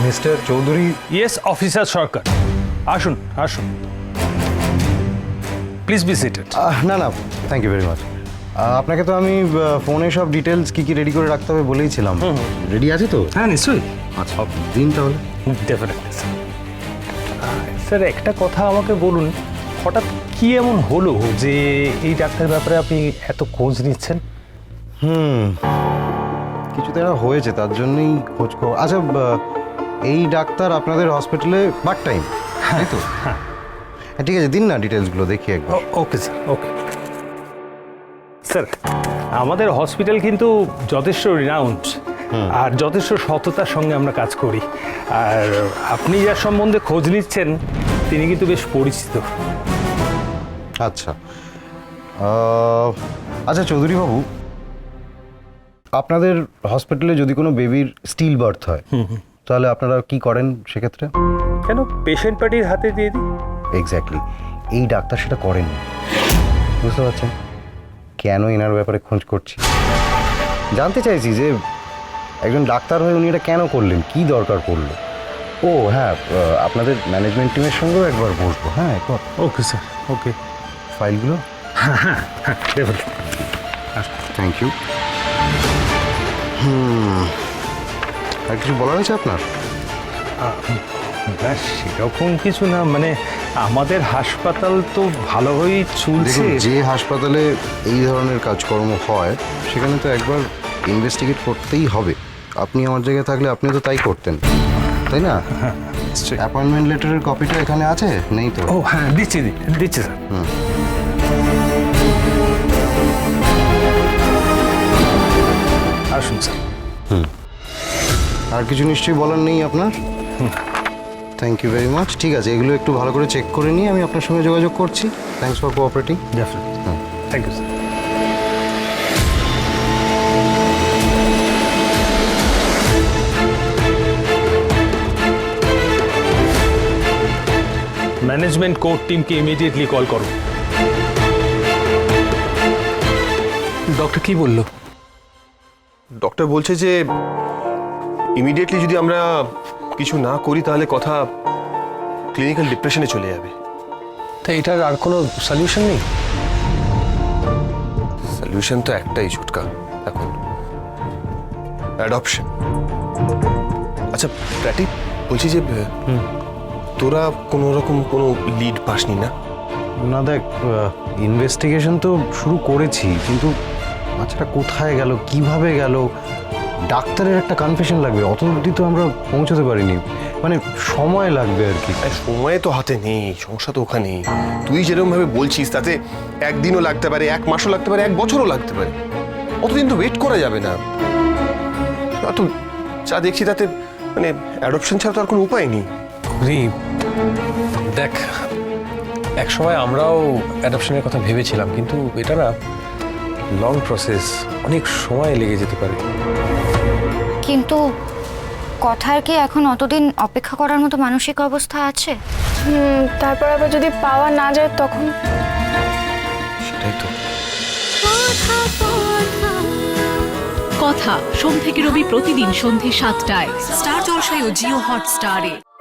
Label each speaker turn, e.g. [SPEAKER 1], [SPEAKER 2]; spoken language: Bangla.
[SPEAKER 1] Mister Chowdhury.
[SPEAKER 2] Yes officer Sarkar, আসুন আসুন, প্লিজ বি সিটেড।
[SPEAKER 1] না না, থ্যাংক ইউ ভেরি মাচ। আপনাকে তো আমি ফোনে সব ডিটেলস কি কি রেডি করে রাখতে হবে বলেইছিলাম। রেডি আছে তো?
[SPEAKER 2] হ্যাঁ নিশ্চয়ই,
[SPEAKER 1] আচ্ছা দিন তাহলে।
[SPEAKER 2] Definitely sir. একটা কথা আমাকে বলুন, হঠাৎ কি এমন হলো যে এই ডাক্তার ব্যাপারে আপনি এত খোঁজ নিচ্ছেন?
[SPEAKER 1] কিছু তো একটা হয়েছে, তার জন্যই খোঁজ খবর। আচ্ছা, এই ডাক্তার আপনাদের হসপিটালে পার্ট টাইম, তাই তো? হ্যাঁ ঠিক আছে, দিন না ডিটেলসগুলো দেখি একবার।
[SPEAKER 2] Okay sir, okay sir. আমাদের হসপিটাল কিন্তু যথেষ্ট রিনাউন্ড আর যথেষ্ট সততার সঙ্গে আমরা কাজ করি। আর আপনি যার সম্বন্ধে খোঁজ নিচ্ছেন তিনি কিন্তু বেশ পরিচিত।
[SPEAKER 1] আচ্ছা আচ্ছা চৌধুরী বাবু, আপনাদের হসপিটালে যদি কোনো বেবির স্টিল বার্থ হয় তাহলে আপনারা কি করেন সেক্ষেত্রে?
[SPEAKER 2] কেন, পেশেন্ট পার্টির হাতে দিয়ে দিই।
[SPEAKER 1] এক্স্যাক্টলি, এই ডাক্তার সেটা করেন। বুঝতে পারছেন কেন এনার ব্যাপারে খোঁজ করছি? জানতে চাইছি যে একজন ডাক্তার হয়ে উনি এটা কেন করলেন, কি দরকার পড়লো। ও হ্যাঁ, আপনাদের ম্যানেজমেন্ট টিমের সঙ্গেও একবার বসবো। হ্যাঁ একবার।
[SPEAKER 2] Okay sir, okay.
[SPEAKER 1] ফাইলগুলো। Thank you. আর কিছু বলার আছে আপনার?
[SPEAKER 2] ব্যাস সেরকম কিছু না, মানে আমাদের হাসপাতাল তো ভালোভাবেই চলছে।
[SPEAKER 1] দেখুন, যে হাসপাতালে এই ধরনের কাজকর্ম হয় সেখানে তো একবার ইনভেস্টিগেট করতেই হবে। আপনি আমার জায়গায় থাকলে আপনি তো তাই করতেন, তাই না? অ্যাপয়েন্টমেন্ট লেটারের কপিটা এখানে আছে, নেই তো?
[SPEAKER 2] ও হ্যাঁ, দিচ্ছি দিচ্ছি স্যার। আসুন স্যার।
[SPEAKER 1] আর কিছু নিশ্চয়ই বলার নেই আপনার? Thank you very much. ঠিক আছে, এগুলো একটু ভালো করে চেক করে নিয়ে আমি আপনার সঙ্গে যোগাযোগ করছি। Thanks for cooperating.
[SPEAKER 2] Definitely, thank you sir. Management core টিমকে ইমিডিয়েটলি কল করো।
[SPEAKER 3] ডক্টর কি বললো?
[SPEAKER 4] ডক্টর বলছে যে ইমিডিয়েটলি যদি আমরা কিছু না করি তাহলে কথা ক্লিনিক্যাল ডিপ্রেশনে চলে যাবে।
[SPEAKER 3] তা এটার আর কোনো সলিউশন নেই?
[SPEAKER 4] সলিউশন তো একটাই ছোটকা এখন, অ্যাডপশন। আচ্ছা প্র্যাটি, বলছি যে তোরা কোনো রকম কোনো লিড পাসনি না?
[SPEAKER 1] না দেখ, ইনভেস্টিগেশন তো শুরু করেছি, কিন্তু বাচ্চাটা কোথায় গেল, কিভাবে গেল, ডাক্তারের একটা কনফেশন লাগবে, অত অবধি তো আমরা পৌঁছতে পারিনি। মানে সময় লাগবে আর কি।
[SPEAKER 4] সময় তো হাতে নেই, সমস্যা তো ওখানেই। তুই যেরকম ভাবে বলছিস তাতে একদিনও লাগতে পারে, এক মাসও লাগতে পারে, এক বছরও লাগতে পারে। অতদিন তো ওয়েট করা যাবে না। তো যা দেখছি তাতে মানে অ্যাডপশন ছাড়া তো আর কোনো উপায় নেই।
[SPEAKER 3] দেখ, এক সময় আমরাও অ্যাডপশনের কথা ভেবেছিলাম, কিন্তু এটা না লং প্রসেস, অনেক সময় লেগে যেতে পারে।
[SPEAKER 5] কিন্তু কথার কি এখন অতদিন অপেক্ষা করার মতো মানসিক অবস্থা আছে?
[SPEAKER 6] তারপর আবার যদি পাওয়া না যায় তখন?
[SPEAKER 4] সেটাই তো।
[SPEAKER 7] কথা সোম থেকে রবি প্রতিদিন সন্ধ্যে ৭টায় স্টার জলসায় ও জিও হটস্টারে।